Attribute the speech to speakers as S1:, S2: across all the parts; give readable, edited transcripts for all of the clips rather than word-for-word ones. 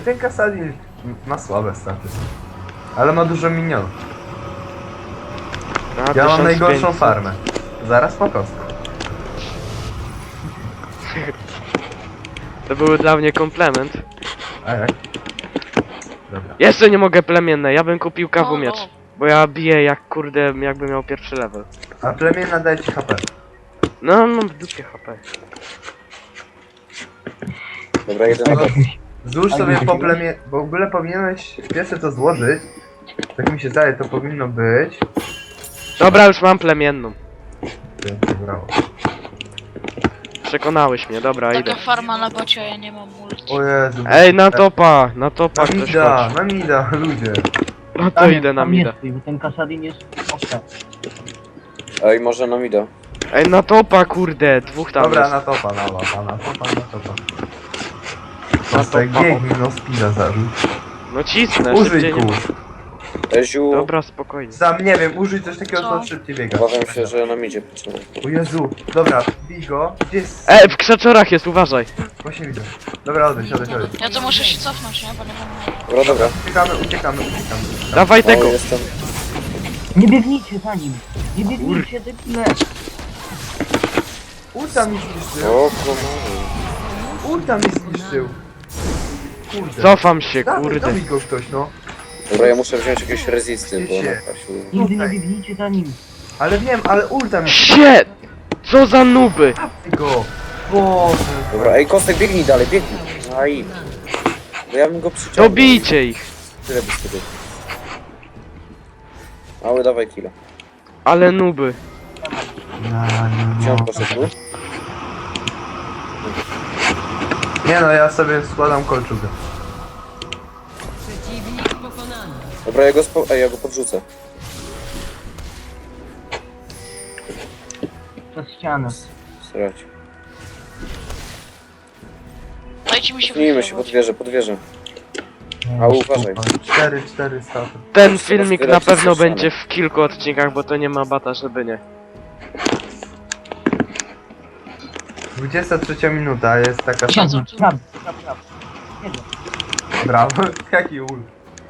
S1: ten Kasadin ma słabe staty. Ale ma dużo minionów.
S2: Na
S1: Ja mam
S2: 1500.
S1: najgorszą farmę. Zaraz po kostku.
S2: To były dla mnie komplement.
S1: A jak? Dobra.
S2: Jeszcze nie mogę plemienne, ja bym kupił kawu
S3: No,
S2: miecz.
S3: no.
S2: Bo ja biję jak kurde, jakbym miał pierwszy level.
S1: A plemię daje ci HP.
S2: No, mam w dupie HP.
S4: Dobra, jeden na
S1: Złóż sobie po plemię... Bo w ogóle powinieneś pierwsze to złożyć. Tak mi się zdaje, to powinno być.
S2: Dobra, już mam plemienną.
S1: Brawo.
S2: Przekonałeś mnie, dobra, idę.
S3: Taka farma na bocie, ja nie mam multi.
S1: O Jezu.
S2: Ej, na topa
S1: Na
S2: ktoś
S1: mida,
S2: chodź.
S1: na mida, ludzie.
S2: No to idę na mida.
S5: Bo ten Kasadin jest okej.
S4: Ej, może nam idę.
S2: Ej, na topa kurde, dwóch tam
S1: Dobra,
S2: jest.
S1: na topa, na topa, na topa, na topa.
S2: Na
S1: Kostek,
S2: topa.
S1: biegnij, no spina zarzuć.
S2: No cisnę,
S1: Użyj
S2: szybciej nie
S1: kół.
S2: ma.
S4: Eziu,
S2: Dobra, spokojnie.
S1: Sam nie wiem, użyj coś takiego, co
S3: Co?
S1: szybciej biega.
S4: obawiam się, że nam idzie potrzebne.
S1: O Jezu, dobra, bij go. Gdzie jest?
S2: Ej, w krzaczorach jest, uważaj.
S1: Właśnie widzę. Dobra, odejdź.
S3: Ja to muszę się cofnąć, nie? Bo nie mam...
S4: Dobra, dobra.
S1: Uciekamy.
S2: Dawaj
S4: O,
S2: tego.
S4: jestem.
S5: Nie biegnijcie za nim! Nie biegnijcie, debile!
S1: Ulta mi zniszczył.
S4: O, komu?
S1: Ulta mi zniszczył. Kurde.
S2: Cofam się,
S1: Dawaj,
S2: kurde.
S1: dobij go ktoś, no.
S4: Dobra, ja muszę wziąć jakieś rezisty, bo
S1: Wiecie.
S4: na Kasiu...
S5: Nigdy nie biegnijcie za nim!
S1: Ale wiem, ale ulta mi
S2: Shit! Co za nuby!
S1: go. Boże.
S4: Dobra, ej, Kostek, biegnij dalej, biegnij. Aj. Bo ja bym go przyciągnął.
S2: Dobijcie ich!
S4: Tyle by wtedy. Mały, dawaj kilo.
S2: Ale nuby.
S4: Gdzie on poszedł tu?
S1: Nie no, ja sobie składam kolczugę.
S4: Dobra, ja go podrzucę.
S5: Przez ścianę.
S4: Srać.
S3: Dajcie mi się
S4: Cofnijmy się pod wieżę. A uważaj.
S1: 4 staty.
S2: Ten filmik na
S4: rozbierać
S2: pewno
S4: się
S2: będzie w kilku odcinkach, bo to nie ma bata, żeby nie.
S1: 23 minuta, jest taka...
S5: Siedzą, prawo. Siedzą.
S1: Brawo, jaki ult.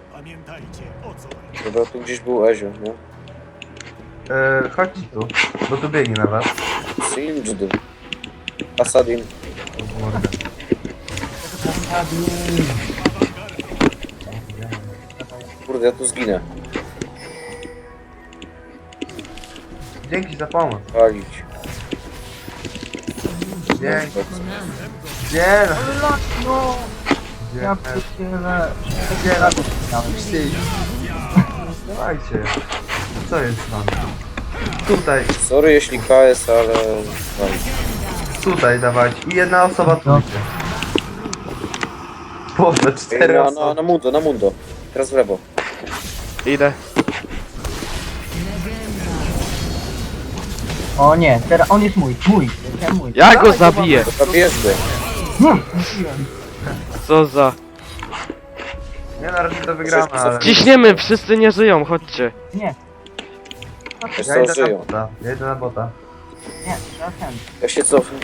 S4: Dobra, tu gdzieś był Ezio, nie?
S1: Chodźcie tu, bo tu biegnie na was.
S4: Singed. Asadin.
S1: O, mordę.
S4: Kurde, ja tu zginę.
S1: Dzięki za pomoc.
S4: Palić.
S1: Dzięki. Gdzie?
S5: No!
S1: Gdzie?
S5: Ja pierdzielę.
S1: Gdzie?
S5: Dałem.
S1: Dawajcie. Co jest z wami? Tutaj,
S4: Sorry jeśli KS, ale... Palić.
S1: tutaj dawajcie. I jedna osoba tu
S5: No.
S1: idzie. Boże,
S4: Ej,
S1: 4 osoby.
S4: na mundo. Teraz w lewo.
S2: Idę.
S5: O nie, teraz on jest mój. Ja mój.
S2: Ja go
S1: Dawaj,
S2: zabiję.
S4: Dobra, bierz go.
S2: Co za...
S1: Nie, na razie to wygramy, ale...
S2: Ciśniemy, wszyscy nie żyją, chodźcie.
S5: Nie,
S4: Wiesz
S1: Ja
S4: co,
S1: idę na
S4: żyją.
S1: bota. Ja idę na bota.
S5: nie, trzeba ten.
S4: Ja się cofnę.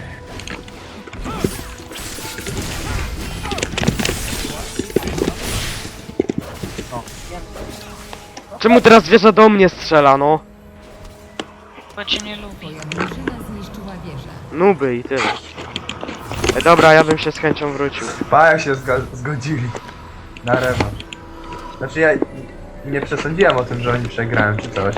S5: O,
S2: Czemu teraz wieża do mnie strzela, no?
S3: Bo cię nie lubi.
S2: Nuby i tyle. Ej, dobra, ja bym się z chęcią wrócił.
S1: Pa, jak się zgodzili. Na rewanż. Znaczy ja nie przesądziłem o tym, że oni przegrają czy coś.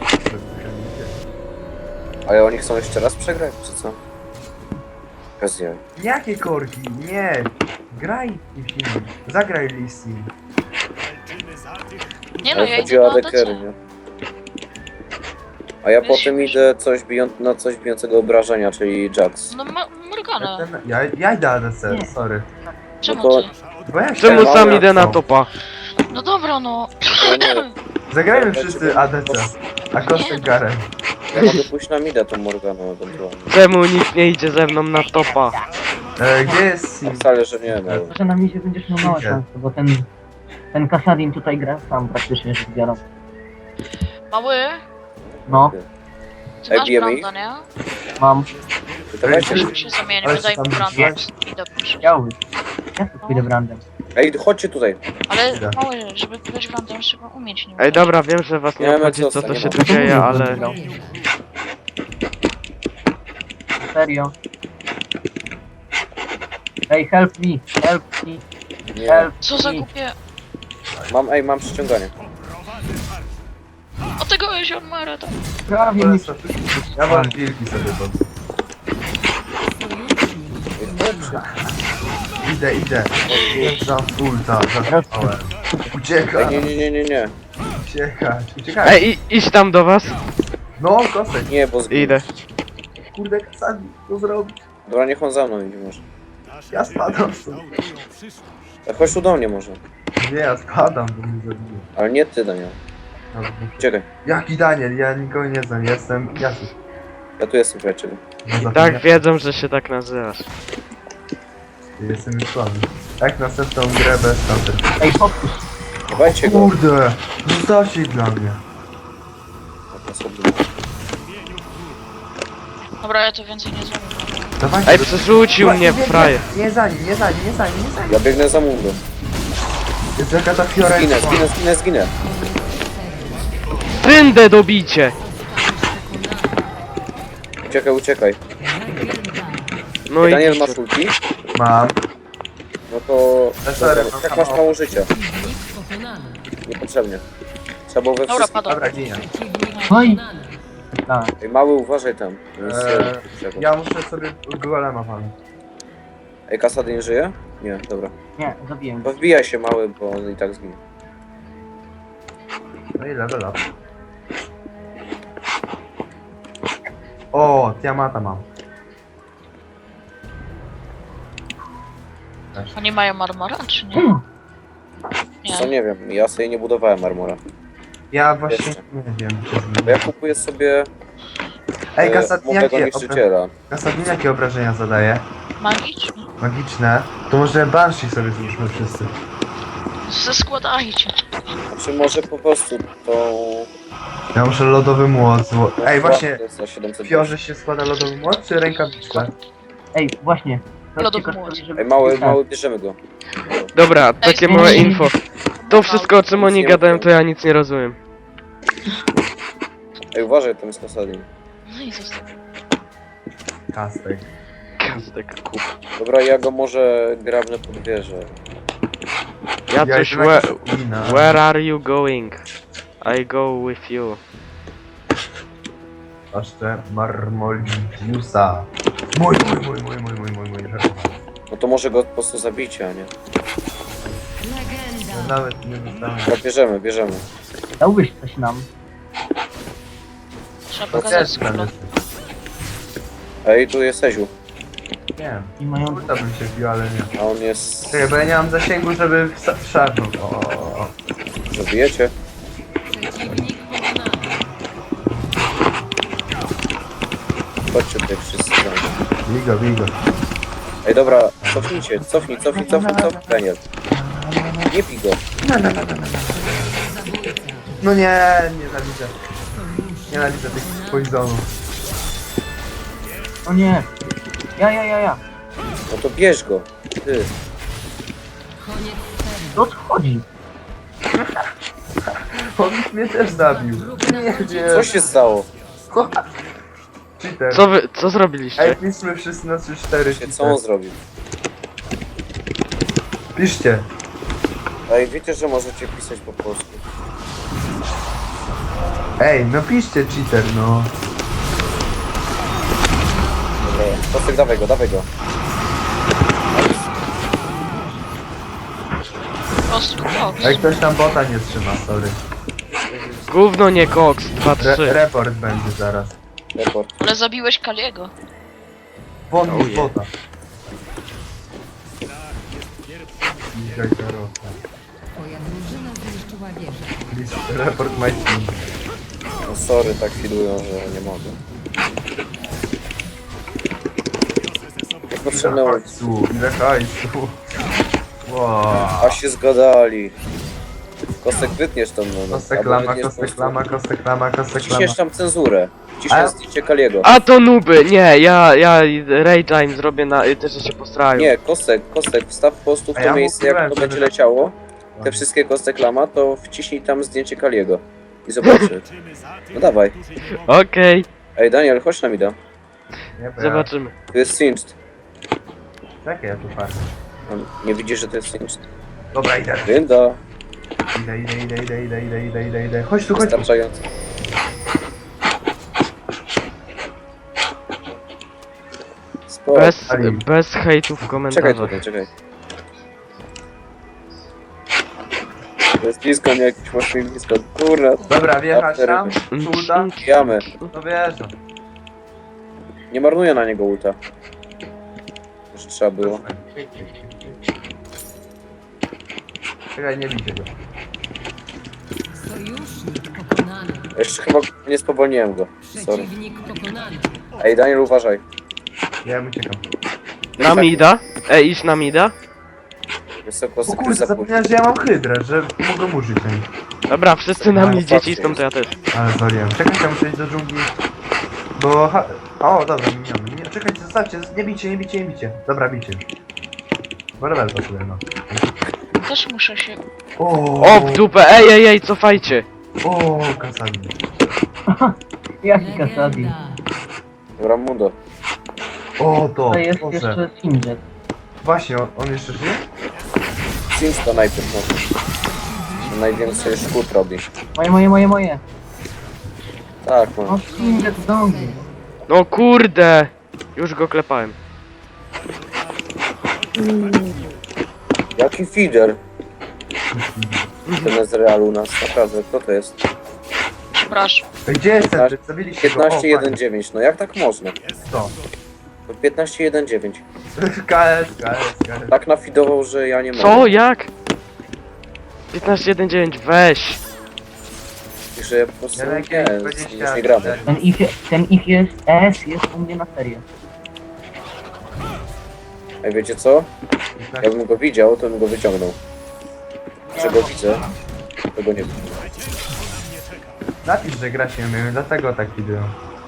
S4: Ale oni chcą jeszcze raz przegrać, czy co? Okazja.
S1: Jakie korki? Nie! Graj kimś innym. Zagraj Lissin.
S3: Nie no,
S4: Ale
S3: ja
S4: chodzi
S3: idę
S4: o
S3: na
S4: ADC,
S3: ADC.
S4: nie? A ja
S3: Weź
S4: potem
S3: się.
S4: idę na coś bijącego obrażenia, czyli Jax.
S3: No Morgana.
S1: Ja idę ADC,
S5: Nie.
S1: sorry.
S3: Czemu
S4: to-
S3: ty?
S1: Bo ja
S2: Czemu
S1: chciałem-
S2: sam idę na topa?
S3: No dobra, no.
S4: Ja nie,
S1: Zagrajmy wszyscy ADC. A Kostek Garen.
S4: ja mogę pójść na mida tą Morganą ewentualnie.
S2: Czemu nikt nie idzie ze mną na topa?
S1: Gdzie jest Sim?
S4: Wcale, że nie, no.
S5: Że na mizie będziesz miał małe
S1: Idzie.
S5: szanse, bo ten Kasadin tutaj gra sam praktycznie rzecz biorąc.
S3: Mały,
S5: No,
S3: ty
S4: Ej,
S3: masz
S4: bijemy ich?
S3: Branda, nie?
S5: mam.
S4: Dawajcie,
S1: Ej,
S3: Się zamienię,
S1: Ale
S3: daj
S1: tam
S3: mi Branda.
S1: jest.
S3: I dobrze.
S5: Chciałbyś. Ja tu pójdę brandem.
S4: Ej, chodźcie tutaj.
S3: Ale
S1: Idę.
S3: mały, żeby być grantem trzeba umieć nim.
S2: Ej, dobra, wiem, że was nie
S4: Nie,
S2: obchodzi co
S4: Mecosa,
S2: to
S4: nie
S2: się
S4: ma.
S2: tu dzieje, ale...
S5: Serio. Ej, help me, help me,
S4: Nie.
S5: help
S3: Co za
S5: me.
S3: głupie...
S4: Mam przyciąganie.
S3: O tego Jeziormara tam.
S5: Prawie mi
S1: Ja wam wilki sobie pod... Idę. Za ulta, zatrzymałem. Uciekaj,
S4: Nie.
S1: uciekaj.
S2: Ej, idź tam do was.
S1: No, kosek.
S4: Nie, bo zginę.
S2: Idę.
S1: Kurde, Kasadi, co zrobić?
S4: Dobra, niech on za mną idzie może.
S1: Ja spadam stąd.
S4: Chodź tu do mnie może.
S1: Nie, ja spadam, bo mnie zabiję.
S4: Ale nie ty, Daniel.
S1: Dobra.
S4: Czekaj.
S1: Jaki Daniel? Ja nikogo nie znam, jestem Jasiu.
S4: Ja tu jestem, przyjacielu.
S1: No,
S2: Tak wiedzą, że się tak nazywasz.
S1: Jestem już słaby. Jak następną grę bez tamtych.
S5: Ej, podpuść.
S4: Dawajcie go.
S1: Kurde, zostawcie ich dla mnie.
S3: Dobra, ja to więcej nie zrobię.
S1: Dawajcie
S2: Ej,
S1: go.
S2: przerzucił mnie w fraję.
S1: Nie za nim.
S4: Ja biegnę za Mungo.
S1: Jest jaka ta fiora.
S4: Zginę.
S2: Tyndę dobicie!
S4: Uciekaj.
S2: No i...
S4: Daniel, masz ulti?
S1: Mam.
S4: No to...
S1: Sorry,
S4: Dobra,
S1: mam
S4: jak masz
S1: mało.
S4: mało życia? Niepotrzebnie. Trzeba było we
S3: Dobra,
S4: wszystkim...
S3: padam.
S1: Dobra, ginie.
S5: Oj. Tak.
S4: Ej, mały, uważaj tam.
S1: Ja muszę sobie golema palnąć.
S4: Ej, Kasady nie żyje? Nie, dobra.
S5: Nie, zabiłem.
S4: To wbijaj się, mały, bo on i tak zginie.
S1: No i level up. O, Tiamata mam.
S3: Oni mają armora, czy nie?
S4: Co
S3: Nie.
S4: nie wiem, ja sobie nie budowałem armora.
S1: Ja właśnie
S4: Jeszcze.
S1: nie wiem.
S4: Bo ja kupuję sobie
S1: Ej, Kasadin,
S4: młodego
S1: jakie,
S4: niszczyciela.
S1: Kasadin, jakie obrażenia zadaje?
S3: Magiczny.
S1: Magiczne. To może Banshee sobie złóżmy wszyscy.
S3: Zeskładajcie.
S4: Znaczy może po prostu tą...
S1: Ja muszę lodowy młot Ej, właśnie,
S4: To jest za 700.
S1: w Fiorze się składa lodowy młot czy rękawiczka?
S5: Ej, właśnie.
S3: Lodowy
S5: Zobaczcie,
S3: młot.
S5: żeby-
S4: Ej, mały,
S5: tak.
S4: bierzemy go.
S2: Dobra, takie małe
S5: zmienić.
S2: info. To wszystko o czym oni gadają, to ja nic nie rozumiem.
S4: Ej, uważaj, tam jest Kasadin.
S3: No i zostaw.
S1: Kastek.
S2: Kazdek kup.
S4: Dobra, ja go może grabnę pod wieżę.
S2: Ja
S1: Ja
S2: coś...
S1: jestem jakaś inna.
S2: Where are you going? I go with you.
S1: Jeszcze Marmoliusa. Mój.
S4: No to może go po prostu zabijcie, a nie?
S1: Ja nawet nie dostałem.
S4: Dobra, bierzemy.
S5: Dałbyś coś nam.
S3: Trzeba
S1: To
S3: pokazać
S1: też
S3: skórę.
S1: będę.
S4: Ej, tu jest Eziu.
S1: Nie wiem.
S5: I mają...
S1: Kurta bym się wbił, ale nie.
S4: A on jest...
S1: Czekaj, bo ja nie mam zasięgu, żeby szarpnąć. O.
S4: Zabijecie? Chodźcie tutaj wszyscy.
S1: Bigo.
S4: Ej, dobra, cofnijcie, cofnij, Daniel. Nie pij go.
S1: No nie, nienawidzę. Nienawidzę tych poisonów.
S5: O nie. Ja.
S4: No to bierz go. Ty.
S5: O co chodzi?
S1: On mnie też zabił. Nie wiem.
S4: Co się stało?
S1: Cheater.
S2: Co zrobiliście?
S1: Ej, piszmy wszyscy na 3-4.
S4: Co on zrobił?
S1: Piszcie.
S4: Ej, wiecie, że możecie pisać po polsku.
S1: Ej, no piszcie cheater, no.
S4: Dobra, Kostek, dawaj go.
S3: Kostku, koks.
S1: Jak ktoś tam bota nie trzyma, sorry.
S2: Gówno nie koks, 2-3.
S1: Report będzie zaraz.
S4: Report.
S3: Ale zabiłeś Kaliego.
S1: Won
S2: Oh
S1: z
S2: yeah.
S1: bota. Dzisiaj karota.
S6: Twoja drużyna zniszczyła wieżę.
S1: Please report my team.
S4: No sorry, tak filują, że nie mogę. Niepotrzebne
S1: Ile
S4: ulti.
S1: hajsu, ile hajsu. Wow.
S4: A się zgadali. Kostek wytniesz tą no.
S1: Kostek lama, kostek lama, kostek lama, kostek lama.
S4: Ciśniesz tam cenzurę.
S1: A?
S4: Ciśniesz zdjęcie Kaliego.
S2: A to nuby! Nie, ja Rage'a im zrobię na... też się postarają.
S4: Nie, kostek, wstaw po prostu w
S1: A
S4: to
S1: ja
S4: miejsce, jak
S1: mówiłem,
S4: to
S1: żeby-
S4: będzie leciało. Te wszystkie kostek lama, to wciśnij tam zdjęcie Kaliego. I zobaczy. No dawaj.
S2: Okej,
S4: Ej, Daniel, chodź na mida.
S1: Nie, bo ja...
S2: zobaczymy.
S4: Tu jest singed.
S1: Czekaj, ja tu patrzę.
S4: Nie widzisz, że to jest singed?
S1: Dobra, idę.
S4: Winda.
S1: Idę. Chodź tu, chodź tu.
S4: Wystarczająco. Spoko.
S2: Bez hejtów w
S4: Czekaj
S2: komentarzach.
S4: tutaj, czekaj. To jest blisko, nie jakiś mocniej blisko. Kurna.
S1: Dobra, wjechać tam, ulta.
S4: Jamy.
S1: No wjeżdżam.
S4: Nie marnuję na niego ulta. Że trzeba było.
S1: Czekaj, nie widzę go.
S6: Sojusznik pokonany.
S4: Jeszcze chyba nie spowolniłem go. Sorry.
S6: Przeciwnik pokonany.
S4: Ej, Daniel, uważaj.
S1: Ja uciekam.
S2: Na mida? Idź na mida?
S4: Wysoko,
S1: O
S4: sobie
S1: kurde,
S4: zapuść.
S1: zapomniałem, że ja mam hydrę, że mogę użyć na nim.
S2: Dobra, wszyscy na
S4: No,
S2: midzie
S4: faktycznie.
S2: cisną, to ja też.
S1: Ale zwaliłem. Czekaj, ja muszę iść do dżungli. Bo... O, dobra, miniony. Nie, czekajcie, zostawcie, nie bicie. Dobra, bicie. Bo rebel to sobie, no.
S3: Też muszę się...
S2: O, w dupę, ej, cofajcie.
S1: O, Kasami.
S5: Jaki Kasadin?
S6: Legenda.
S4: Dobra, Mundo.
S1: O, to,
S5: To jest
S1: Boże.
S5: jeszcze Singed.
S1: Właśnie, on jeszcze żyje?
S4: Sims to najpierw no. To najwięcej szkód robi.
S5: Moje.
S4: Tak,
S5: O,
S4: no.
S5: Singed zdążył.
S2: No kurde. Już go klepałem.
S4: Jaki feeder? Ten z Realu nas, naprawdę, kto to jest?
S3: Przepraszam.
S1: Gdzie jest ten? Zabiliście go.
S4: 15-1-9, no jak tak można?
S1: Co?
S4: To 15-1-9.
S1: KS.
S4: Tak nafidował, że ja nie mogę.
S2: Co? Jak? 15-1-9, weź.
S4: I że ja po prostu
S1: Ja
S4: nie,
S1: najpierw
S4: już nie gramy.
S5: Ten ich jest, ES jest u mnie na serię.
S4: Ej, wiecie co? Jakbym go widział, to bym go wyciągnął. Że go widzę, to go nie widzę.
S1: Napisz, że gra się nie umiem, dlatego tak widzę.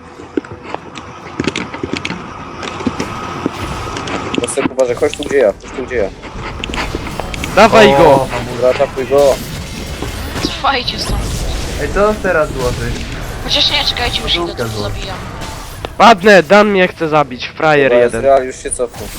S4: Kostek, uważaj, chodź tu gdzie ja.
S2: Dawaj go.
S4: Dobra, atakuj go.
S3: Cofajcie stąd.
S1: Ej, co teraz złożyć?
S3: Chociaż nie, czekajcie, już idę,
S1: Podłówkę
S3: to
S1: złota.
S3: zabijam.
S2: Padnę, Dan mnie chce zabić, frajer
S4: Dobra,
S2: jeden.
S4: Real już się cofnął.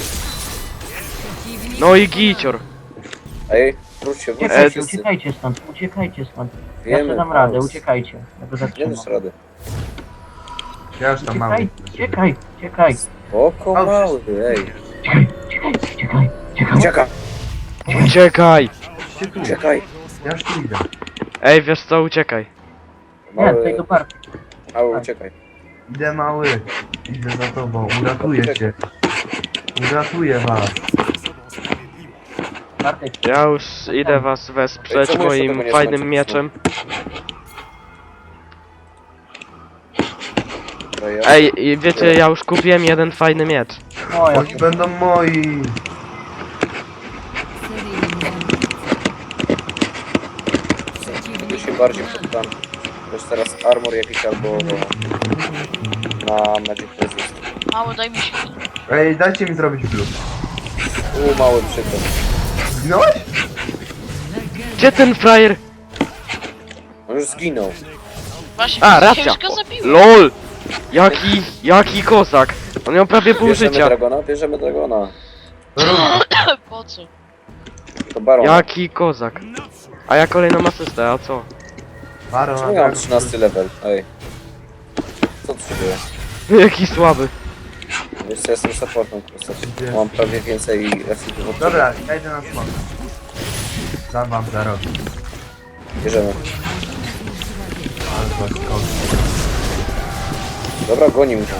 S2: No i gicior.
S4: Ej, wróć się wszyscy.
S5: Uciekajcie stąd. Ja
S4: Wiemy,
S5: sobie dam radę,
S4: Paulus.
S5: uciekajcie. Ja go
S4: Nie
S5: zatrzymam.
S4: dasz rady.
S1: Ja już tam mam.
S5: Uciekaj.
S4: Oko mały, ej.
S5: Uciekaj.
S4: Uciekaj,
S1: Idźcie tu.
S4: uciekaj.
S1: Ja już tu idę.
S2: Ej, wiesz co, uciekaj.
S5: Nie, tutaj
S4: Mały,
S5: do parku.
S4: mały, uciekaj.
S1: Idę mały. Idę za tobą. Uratuję cię. Uratuję was.
S5: Bartek,
S2: Ja już idę was wesprzeć
S4: Czemu jeszcze tego
S2: moim
S4: nie
S2: fajnym
S4: znacie?
S2: mieczem.
S4: Dobra, ja...
S2: Ej, i wiecie, ja już kupiłem jeden fajny miecz.
S5: moja.
S1: Oni będą moi.
S6: Seryjny
S4: Ja się bardziej poddam. Też teraz armor jakiś albo na Magic Resist.
S3: Mało, daj mi się.
S1: Ej, dajcie mi zrobić blue.
S4: Mały przykład.
S1: Zginąłeś?
S2: Gdzie ten frajer?
S4: On już zginął.
S3: Właśnie,
S2: A,
S3: ja
S2: racja.
S3: już go zabiłem.
S2: LOL! Jaki kozak. On miał prawie pół
S4: Bierzemy
S2: życia.
S4: Bierzemy Dragona.
S3: Po co?
S4: To Baron.
S2: Jaki kozak. A ja kolejną asystę, a co?
S1: Baron,
S4: Czemu ja mam 13 level? Ej. Co tu się dzieje?
S2: Jaki słaby.
S4: Wiesz co, jestem supportem po prostu. Mam prawie więcej efektów od
S1: Dobra, ja idę na smoka. Dam wam za rok.
S4: ciebie. Bierzemy.
S1: Ale was kogoś.
S4: Dobra, goni mnie.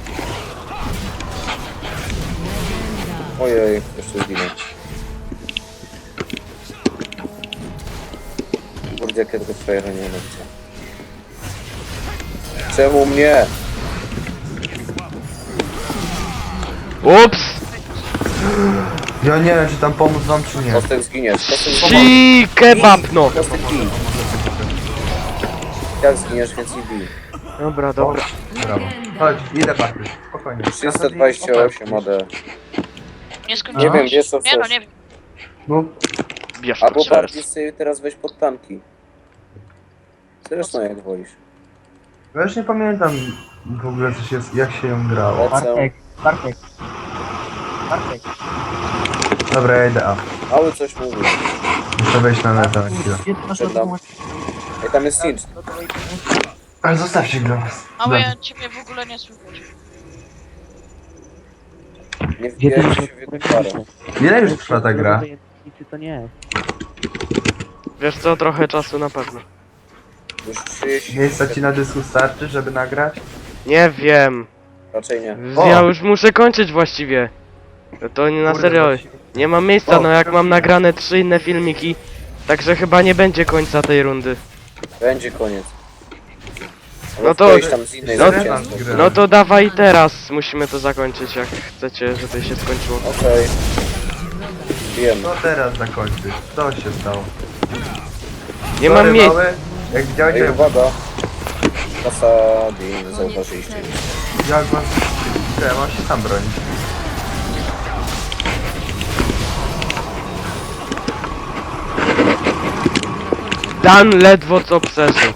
S4: Ojej, jeszcze zginę. Kurde, jakie tego frajera nie wiem. Czemu mnie?
S2: Ups!
S1: Ja nie wiem, czy tam pomóc wam, czy nie.
S4: Kostek zginiesz, Kostek
S2: Ci kebab no!
S4: Kostek bij. Jak zginiesz, więc i bij.
S2: Dobra, dobra.
S1: Brawo. Chodź, idę Patryk, spokojnie.
S4: 328 AD.
S3: Nie skończyłeś.
S4: Nie wiem, wiesz co
S3: Nie no,
S4: chcesz.
S3: nie wiem.
S1: No,
S2: Bierz to
S4: Albo
S2: teraz.
S4: bardziej sobie teraz weź pod tanki. Zresztą jak wolisz.
S1: ja już nie pamiętam w ogóle co się, jak się ją grało.
S4: Lecę.
S5: Bartek.
S1: Dobra, ja idę A.
S4: Mały coś mówi.
S1: Muszę wejść na neta na chwilę.
S5: Gdzie ty masz
S4: Przed nami. Ej, tam jest Sinch.
S1: Ale zostawcie go.
S3: Mały, ja ciebie w ogóle nie słychać.
S4: Nie
S5: Gdzie ty
S4: wbijaj
S5: masz
S4: się w jedną parę.
S1: Ile już trwa ta gra?
S2: Wiesz co, trochę czasu na pewno.
S4: Już 30.
S1: Miejsca ci na dysku starczy, żeby nagrać?
S2: Nie wiem.
S4: Raczej nie.
S2: Ja już muszę kończyć właściwie. To nie na
S1: Kurde,
S2: serio.
S1: właśnie.
S2: Nie mam miejsca,
S1: O,
S2: no jak mam nagrane 3 inne filmiki. Także chyba nie będzie końca tej rundy.
S4: Będzie koniec.
S2: No
S4: No
S2: to-
S4: to... Wejść tam z innej
S2: no-
S4: zwycięstwa.
S2: No to dawaj teraz, musimy to zakończyć jak chcecie, żeby się skończyło.
S4: Okej. Wiem.
S1: No teraz zakończyć. Co się stało?
S2: Nie
S1: Sorry,
S2: mam miejsca.
S1: mały. Jak widziałeś,
S4: Ej, uwaga. Kasadin, zauważyliście.
S1: jak was... Ja mam się sam bronić.
S2: Dan ledwo co przeżył.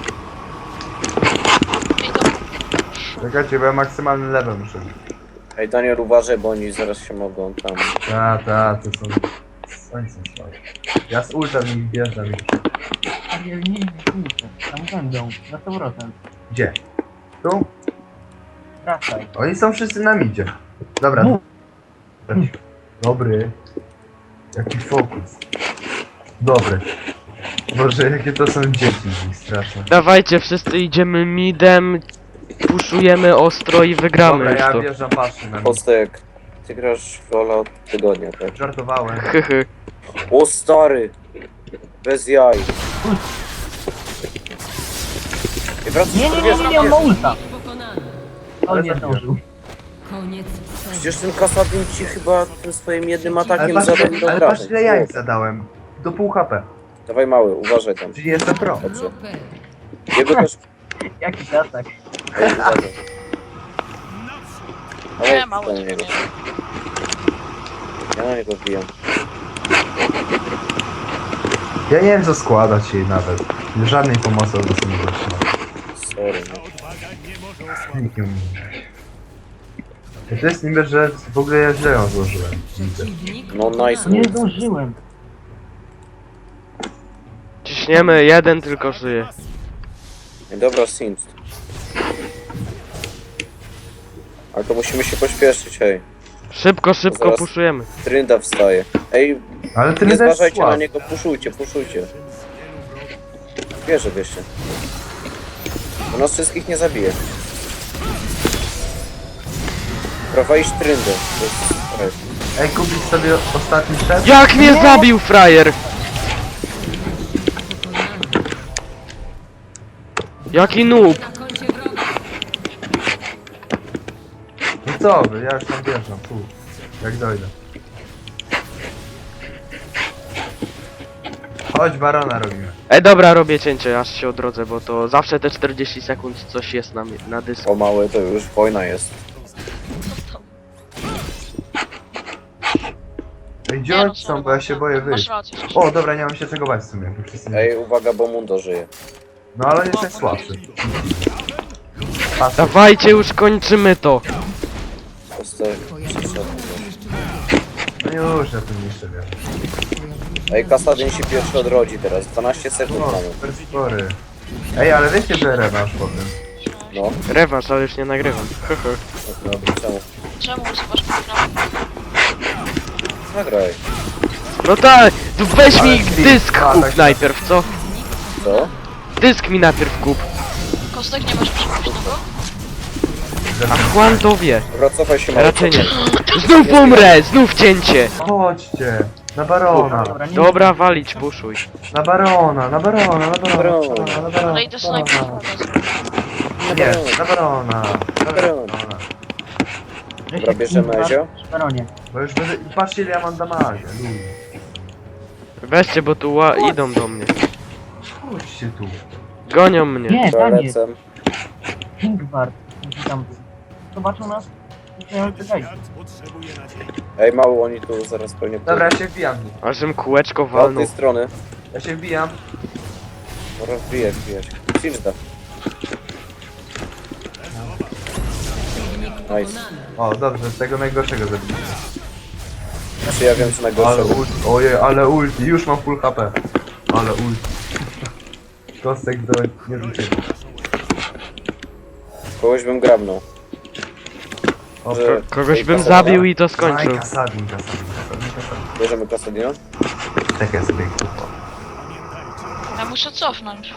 S3: I to...
S1: Czekajcie, bo ja maksymalny level muszę.
S4: Ej, Daniel, uważaj, bo oni zaraz się mogą tam...
S1: To są... Oni są słabi. Ja z ultem ich bierzę.
S5: Nie, tam będą, na 100%.
S1: Gdzie? Tu?
S5: Wracaj.
S1: Oni są wszyscy na midzie. Dobra.
S5: Mów.
S1: Dobry. Jaki fokus. Dobry. Boże, jakie to są dzieci z nich straszne.
S2: Dawajcie, wszyscy idziemy midem, puszujemy ostro i wygramy
S1: Dobra,
S2: już
S1: ja
S2: to.
S1: wjeżdżam patrzę na nich.
S4: Kostek, ty grasz w Lola od tygodnia, tak?
S1: Żartowałem.
S2: Hyhy.
S4: O stary! Bez jaj. I wracasz
S5: Nie, on ma ulta.
S6: Pokonany.
S5: On nie zdążył.
S6: Koniec sezonu.
S4: Przecież ten Kasadin ci chyba tym swoim jednym atakiem
S1: Ale
S4: zadaje
S1: patrz,
S4: do
S1: ale patrz
S4: obrażeń.
S1: ile ja im zadałem. Do pół HP.
S4: Dawaj mały, uważaj tam.
S1: Czyli jestem pro.
S4: Dobrze.
S6: Super.
S4: Jego też...
S5: Jakiś atak.
S4: Ej, uważaj.
S3: Nie,
S4: Dawaj,
S3: mały
S4: na
S3: ciebie
S4: niego.
S3: nie.
S4: Ja na niego wbijam.
S1: Ja nie wiem co składać jej nawet. Żadnej pomocy od was nie otrzymał.
S4: Sorry, no.
S1: Nikt nie umie. To jest niby, że w ogóle ja źle ją złożyłem. Widzę.
S6: Przeciwnik
S4: No nice.
S5: Nie zdążyłem.
S2: Ciśniemy, jeden tylko żyje.
S4: Ej, dobra, Sinch. Ale to musimy się pośpieszyć, hej.
S2: Szybko
S4: Zaraz-
S2: puszujemy.
S4: Trynda wstaje. Ej,
S1: Ale ty
S4: nie
S1: jest
S4: zważajcie na
S1: słaby.
S4: niego, puszujcie. Wierzę, wierzcie. On nas wszystkich nie zabije. Prawa iść Tryndę. To jest... Ej.
S1: Ej, kupić sobie ostatni set?
S2: Jak mnie zabił frajer! Jaki noob!
S6: na koncie wroga.
S1: No co wy, ja już tam wjeżdżam, jak dojdę. Chodź, barona robimy.
S2: Ej dobra, robię cięcie, aż się odrodzę, bo to zawsze te 40 sekund coś jest na dysku.
S4: O mały, to już wojna jest.
S1: Ej, gdzie
S3: Nie,
S1: oni są, bo ja się boję
S3: Masz
S1: wyjść.
S3: rację.
S1: O, dobra, nie mam się czego bać w sumie, bo wszyscy...
S4: Ej, uwaga, bo Mundo żyje.
S1: No ale jest najsłabszy. Patrz,
S2: Dawajcie, już kończymy to!
S4: Kostek, przyszedł.
S1: no już, ja tym jeszcze wiem.
S4: Ej, Kasadin się pierwszy odrodzi teraz. 12 sekund
S1: O,
S4: mamy.
S1: super spory. Ej, ale wiecie, że rewanż potem.
S4: No,
S2: Rewanż, ale już nie nagrywam.
S4: no, czemu?
S3: Czemu usuwasz program?
S4: Nagraj.
S2: No tak, to weź mi
S1: Ale
S2: dysk
S1: a,
S2: kup
S1: tak.
S2: najpierw, co?
S4: Co?
S2: Dysk mi najpierw kup.
S3: Kostek, nie masz przepuśnego?
S2: A Juan to wie.
S4: Dobra, cofaj się mały.
S2: Raczej nie. Znów umrę, znów cięcie!
S1: Chodźcie, na barona.
S5: nie
S2: Dobra, walić, puszuj.
S1: Na barona, na barona, na barona,
S4: Barona.
S1: na barona.
S3: Ale idę snajper.
S1: Nie, na barona, na barona.
S4: Dobra, bierzemy Ezio.
S5: Baronie.
S1: Bo już będę... Patrzcie ile ja mam damage, ludzie.
S2: Weźcie, bo tu idą do mnie.
S1: Chodźcie tu.
S2: Gonią mnie.
S5: Nie,
S4: Dobra,
S5: tam jest.
S4: lecę.
S5: Kingward. Tam. Zobaczą nas. Nie, czekaj.
S4: Ej, mało oni tu zaraz pewnie
S1: Dobra, ja się wbijam.
S2: Ażem kółeczko
S4: od
S2: walnął.
S4: tej strony.
S1: Ja się wbijam.
S4: Dobra, wbijać. Silda. Nice.
S1: O, dobrze, tego najgorszego zabiję.
S4: Znaczy ja wiem co
S1: Ale
S4: najgorsze.
S1: ulti, ojej, ale ulti, już mam full HP. Ale ulti. Kostek do niezliczenia.
S4: Kogoś bym grabnął.
S1: O,
S4: Że-
S2: Kogoś bym
S4: Kasadina?
S2: zabił i to skończył.
S1: Kasadin.
S4: Bierzemy Kasadina?
S1: Tak ja sobie kupo.
S3: Ja muszę cofnąć.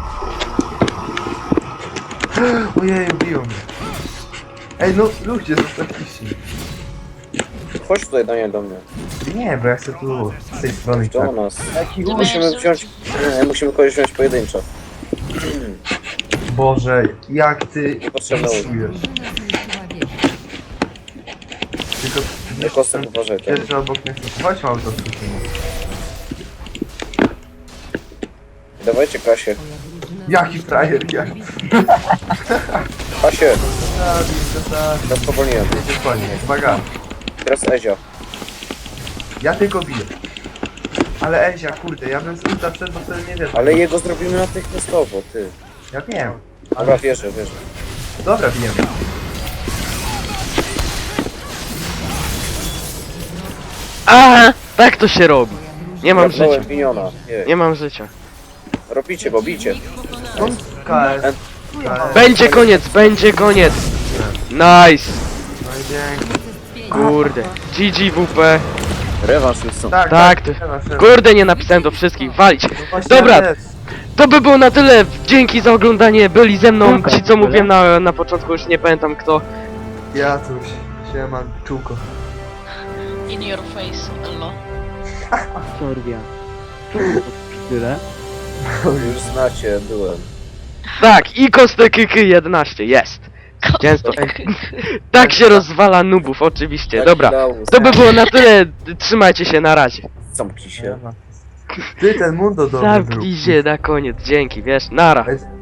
S1: Ojej, biją mnie. Ej, no ludzie, zostawiliście.
S4: Chodź tutaj Daniel do mnie.
S1: Nie, bo ja chcę tu z tej strony
S4: Do
S1: tak.
S4: nas.
S3: Ty
S4: Musimy
S3: będziesz-
S4: wziąć... Musimy kogoś wziąć pojedynczo.
S1: Boże, jak ty
S4: Niepotrzebne ulti.
S1: czujesz. Tylko
S4: Nie kostek uważaj. Tak?
S1: pierwszy obok mnie chcę. Chodź auto z
S4: Dawajcie Kasię.
S1: Jaki frajer, jak...
S4: Kasię!
S1: Kasadin.
S4: Teraz powolniłem.
S1: Jedziesz po nie, uwaga.
S4: Teraz Ezio.
S1: Ja tylko biję. Ale Ezia, kurde, ja bym z ulta wszedł, bo wtedy nie wiesz.
S4: Ale jego zrobimy natychmiastowo, ty.
S1: Ja wiem.
S4: Dobra, wierzę.
S1: Dobra, bijemy.
S2: A, tak to się robi. Nie mam
S4: Grabnąłem
S2: życia.
S4: miniona.
S2: Nie mam życia.
S4: Robicie, bo bicie.
S1: Skąd KS? KS.
S2: Będzie koniec, będzie koniec. Nice.
S1: No i dzięki.
S2: Kurde. GGWP.
S4: Rewanż już są.
S1: Tak,
S2: Tak, ty. Kurde, nie napisałem do wszystkich. Walić. Dobra. To by było na tyle. Dzięki za oglądanie. Byli ze mną ci, co mówiłem na początku, już nie pamiętam kto.
S1: Ja coś. Siema, czułko.
S3: In your face, Elo.
S5: Sorbia.
S4: Już znacie, byłem.
S2: Tak, i kostek 11 jest. Często. Tak się rozwala nubów, oczywiście. Dobra. To by było na tyle. Trzymajcie się, na razie.
S4: Zamknij się.
S1: Ty ten mundo dobry
S2: Zamknij się na koniec. Dzięki, wiesz. Nara.
S1: zrób.